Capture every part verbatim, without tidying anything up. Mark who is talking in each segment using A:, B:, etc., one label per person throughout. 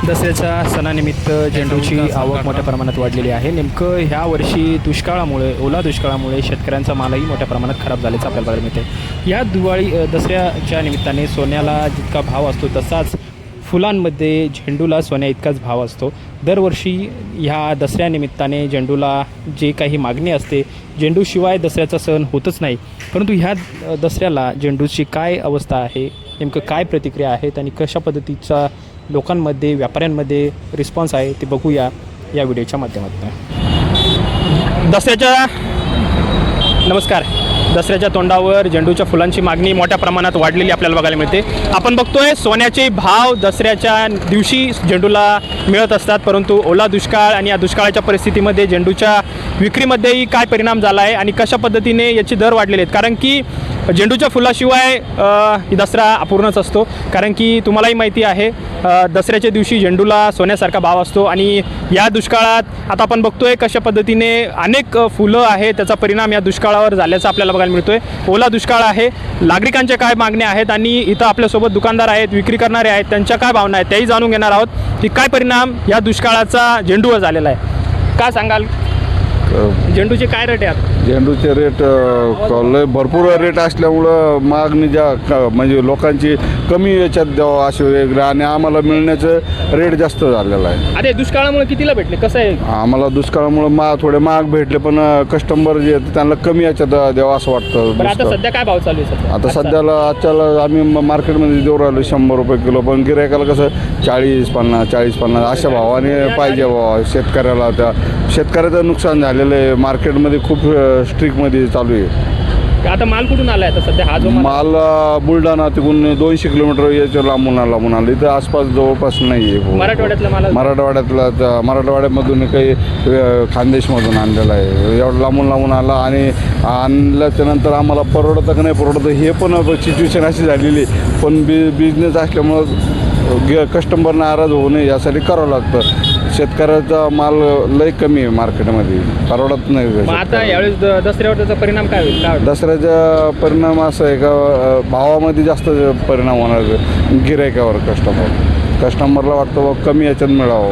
A: दसऱ्याच्या सणानिमित्त झेंडूची आवक मोठ्या प्रमाणात वाढलेली आहे. नेमकं ह्या वर्षी दुष्काळामुळे ओला दुष्काळामुळे शेतकऱ्यांचा मालही मोठ्या प्रमाणात खराब झाल्याचं आपल्याला बघायला मिळते. या दिवाळी दसऱ्याच्या निमित्ताने सोन्याला जितका भाव असतो तसाच फुलांमध्ये झेंडूला सोन्या इतकाच भाव असतो. दरवर्षी ह्या दसऱ्यानिमित्ताने झेंडूला जे काही मागणी असते, झेंडूशिवाय दसऱ्याचा सण होतच नाही. परंतु ह्या दसऱ्याला झेंडूची काय अवस्था आहे, नेमकं काय प्रतिक्रिया आहेत आणि कशा पद्धतीचा लोकांमध्ये व्यापाऱ्यांमध्ये रिस्पॉन्स आहे ते बघूया या व्हिडिओच्या माध्यमातून. दसऱ्याच्या नमस्कार दसऱ्याच्या तोंडावर झेंडूच्या फुलांची मागणी मोठ्या प्रमाणात वाढलेली आपल्याला बघायला मिळते. आपण बघतोय सोन्याचे भाव दसऱ्याच्या दिवशी झेंडूला मिळत असतात, परंतु ओला दुष्काळ आणि या दुष्काळाच्या परिस्थितीमध्ये झेंडूच्या विक्रीमध्येही काय परिणाम झाला आहे आणि कशा पद्धतीने याचे दर वाढलेले आहेत. कारण की झेंडूच्या फुलाशिवाय दसरा अपूर्णच असतो. कारण की तुम्हालाही माहिती आहे दसऱ्याच्या दिवशी झेंडूला सोन्यासारखा भाव असतो आणि या दुष्काळात आता आपण बघतोय कशा पद्धतीने अनेक फुलं आहे त्याचा परिणाम या दुष्काळावर झाल्याचा आपल्याला बघायला मिळतोय. ओला दुष्काळ आहे, नागरिकांच्या काय मागण्या आहेत आणि इथं आपल्यासोबत दुकानदार आहेत, विक्री करणारे आहेत, त्यांच्या काय भावना आहेत त्याही जाणून घेणार आहोत की काय परिणाम या दुष्काळाचा झेंडूवर झालेला आहे. काय सांगाल, झेंडूचे काय रेट आहेत?
B: झेंडूचे रेट लय भरपूर रेट असल्यामुळं मागणी ज्या म्हणजे लोकांची कमी याच्यात द्यावं असे वेगळं आणि आम्हाला मिळण्याचं रेट जास्त झालेला आहे.
A: अरे दुष्काळामुळे कितीला भेटले, कसं आहे?
B: आम्हाला दुष्काळामुळे मा थोडे महाग भेटले, पण कस्टमर जे त्यांना कमी याच्यात द्यावं असं वाटतं.
A: आता सध्या काय भाव चालू आहे?
B: आता सध्याला आजच्याला आम्ही मार्केटमध्ये देऊ राहिलो शंभर रुपये किलो, पण गिरायकाला कसं चाळीस पन्नास चाळीस पन्नास अशा भावाने पाहिजे भावा. शेतकऱ्याला त्या शेतकऱ्याचं नुकसान झालेलं आहे. मार्केटमध्ये खूप स्ट्रिकमध्ये चालू आहे.
A: आता माल कुठून आला आहे आता सध्या? हा जो
B: माल बुलढाणा तिकडून दोनशे किलोमीटर याच्या लांबून लांबून आला. इथं आसपास जवळपास नाही आहे.
A: मराठवाड्यातला माल
B: मराठवाड्यातला मराठवाड्यामधून काही खानदेशमधून आणलेला आहे. एवढं लांबून लांबून आला आणि आणल्याच्या नंतर आम्हाला परवडतं का नाही परवडतं हे पण सिच्युएशन अशी झालेली. पण बि बिझनेस असल्यामुळं कस्टमर नाराज होऊ नये यासाठी करावं लागतं. शेतकऱ्याचा माल लय कमी आहे मार्केटमध्ये, परवडत नाही.
A: आता यावेळेस दसऱ्यावर त्याचा परिणाम काय होईल? काय
B: दसऱ्याचा परिणाम असा आहे का भावामध्ये जास्त परिणाम होणार गिरायकावर. कस्टमर कस्टमरला वाटतं बा कमी याच्यात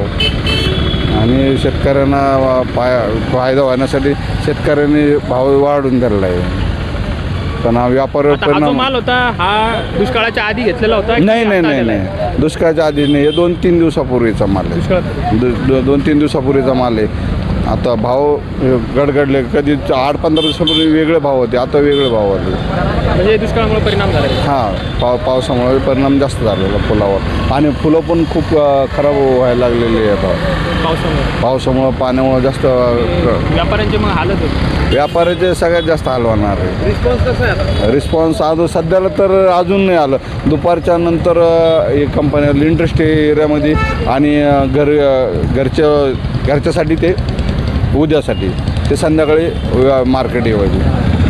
B: मिळावं आणि शेतकऱ्यांना फाय फायदा होण्यासाठी शेतकऱ्यांनी भाव वाढून दिलेला आहे. पण हा व्यापार परिणाम
A: माल होता हा दुष्काळाच्या आधी घेतलेला होता?
B: नाही नाही नाही नाही दुष्काळाच्या आधी नाही, हे दोन तीन दिवसापूर्वीचा माल आहे. दोन तीन दिवसापूर्वीचा माल आहे. आता भाव गडगडले, कधी आठ पंधरा दिवसापूर्वी वेगळे भाव होते, आता वेगळे भाव होते.
A: म्हणजे दुष्काळामुळे परिणाम झाला?
B: हां, पाव पावसामुळे परिणाम जास्त झालेला फुलावर आणि फुलं पण खूप खराब व्हायला लागलेली आहे आता
A: पावसामुळे.
B: पावसामुळं पाण्यामुळं जास्त
A: व्यापाऱ्यांचे मग हालत होते.
B: व्यापाऱ्याचे सगळ्यात जास्त हाल होणार आहे.
A: रिस्पॉन्स कसा आहे आता?
B: रिस्पॉन्स आज सध्याला तर अजून नाही आलं. दुपारच्या नंतर हे कंपनी इंडस्ट्री एरियामध्ये आणि घर घरच्या घरच्यासाठी ते उद्यासाठी ते संध्याकाळी मार्केट येवायचे.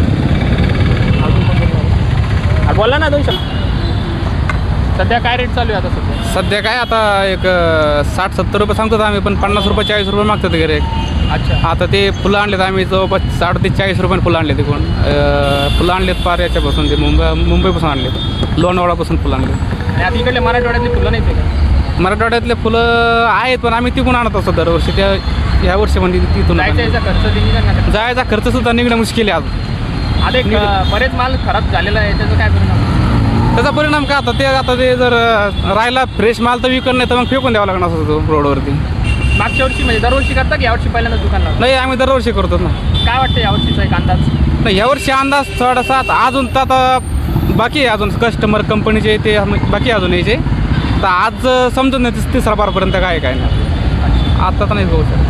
A: बोला ना दोन शब्द. सध्या काय रेट चालू आहे आता? सध्या
C: सध्या काय आता एक साठ सत्तर रुपये सांगतो आम्ही, पण पन्नास रुपये चाळीस रुपये मागतात गिरे.
A: अच्छा.
C: आता ते फुलं आणलेत आम्ही जवळपास साठ ते चाळीस रुपयाने फुलं आणले. तिकडून फुलं आणलेत पार याच्यापासून, ते मुंबई मुंबईपासून आणलेत, लोणावळापासून फुलं आणले.
A: आणि आता इकडले मराठवाड्यातली फुलं नाही ते?
C: मराठवाड्यातले फुलं आहेत पण आम्ही तिकडून आणत असतो दरवर्षी. त्या ह्या वर्षी म्हणजे तिथून
A: जायचा खर्च निघणार,
C: जायचा खर्च सुद्धा निघणं मुश्किल आहे. आज
A: आता बरेच माल खराब झालेला आहे, त्याचा काय परिणाम?
C: त्याचा परिणाम काय आता ते आता ते जर राहिला फ्रेश माल तर विकत नाही तर मग फेकून द्यावा लागणार असतो रोडवरती.
A: मागच्या वर्षी म्हणजे दरवर्षी करता की यावर्षी पहिल्यांदा दुकानला?
C: नाही, आम्ही दरवर्षी करतो ना.
A: काय वाटतं यावर्षीचा एक अंदाज?
C: नाही, यावर्षी अंदाज थोडासा अजून तर आता बाकी आहे, अजून कस्टमर कंपनीचे ते बाकी अजून यायचे. तर आज समजून नाही तिसरा बारपर्यंत काय काय नाही आता तर नाही बघू सर.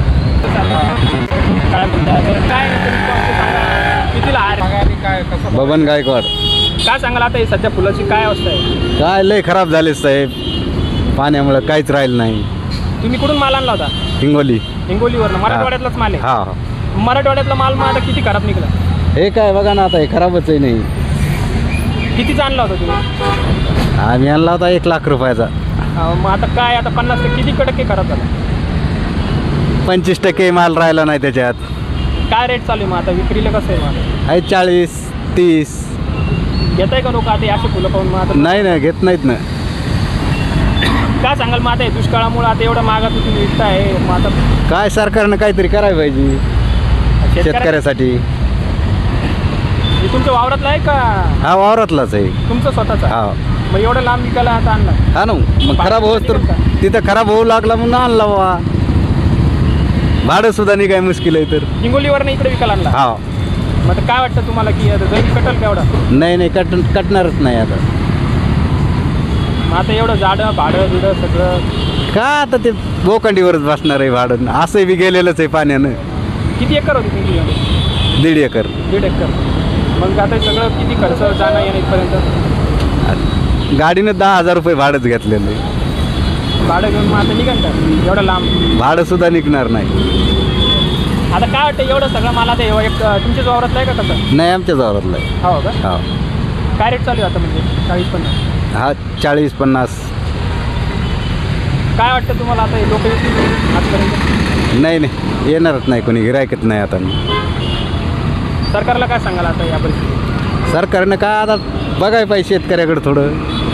A: काय कितीला आहे?
D: काय कसं बबन गायकवाड.
A: काय सांगाल आता सध्या फुलाची काय अवस्था आहे?
D: काय लय खराब झाले साहेब, पाण्यामुळे काहीच राहिलं नाही.
A: तुम्ही कुठून माल आणला होता?
D: हिंगोली.
A: हिंगोलीवरनं? मराठवाड्यातलाच माल आहे?
D: हा.
A: मराठवाड्यातला माल मग आता किती खराब निघाला?
D: हे काय बघा ना आता, हे खराबच आहे. नाही
A: कितीचा आणला होता तुम्ही?
D: आम्ही आणला होता एक लाख रुपयाचा.
A: मग आता काय आता पन्नास टक्के किती टक्के खराब झाला?
D: पंचवीस टक्के माल राहिला नाही त्याच्यात.
A: काय रेट चालू आहे मग आता विक्रीला? कसं आहे माल?
D: आहे चाळीस तीस.
A: घेत आहे का लोक आता असे फुलं पाहून? मग आता
D: नाही नाही घेत नाहीत ना.
A: काय सांगाल मग आता हे दुष्काळामुळे आता एवढं महागात तुम्ही विकताय मग आता
D: काय सरकारनं काहीतरी करायला पाहिजे शेतकऱ्यासाठी.
A: हे तुमच्या वावरातलं आहे का
D: हा वावरातलाच आहे.
A: तुमचं स्वतःचं आहे?
D: हा
A: मग एवढं लांब विकायला आता आणला
D: हा ना मग खराब होत तर तिथं खराब होऊ लागला म्हणून आणला बा. भाडं सुद्धा नाही काय मुश्किल आहे तर.
A: हिंगोलीवरनं इकडे विकायला आणला.
D: हा
A: मग आता काय वाटतं तुम्हाला की आता जरी कटल केवढा
D: नाही नाही कट कटणारच नाही आता.
A: मग आता एवढं झाडं भाडं बिडं सगळं
D: का आता ते बोकांडीवरच बसणार आहे भाडं. असंही बी गेलेलंच आहे पाण्यानं.
A: किती एकर होती तुमची जमीन?
D: दीड एकर.
A: दीड एकर. मग आता हे सगळं किती खर्च जाणं येणं इथपर्यंत?
D: गाडीनं दहा हजार रुपये भाडंच घेतलेलं आहे.
A: भाडं घेऊन मग आता निघाल का एवढं लांब?
D: भाडं सुद्धा निघणार नाही.
A: आता काय वाटतं एवढं सगळं मला ते एक तुमच्याच वावरातलं आहे का कसं?
D: नाही आमच्या वावरातलं आहे.
A: हो का?
D: हा
A: काय रेट चालू आहे आता म्हणजे चाळीस पन्नास?
D: हा चाळीस पन्नास.
A: काय वाटतं तुम्हाला आता लोक येतील आजपर्यंत?
D: नाही नाही येणारच नाही कोणी गिरायकच नाही आता.
A: सरकारला काय सांगाल आता या परिस्थितीत?
D: सरकारनं काय आता बघायला पाहिजे शेतकऱ्याकडे थोडं.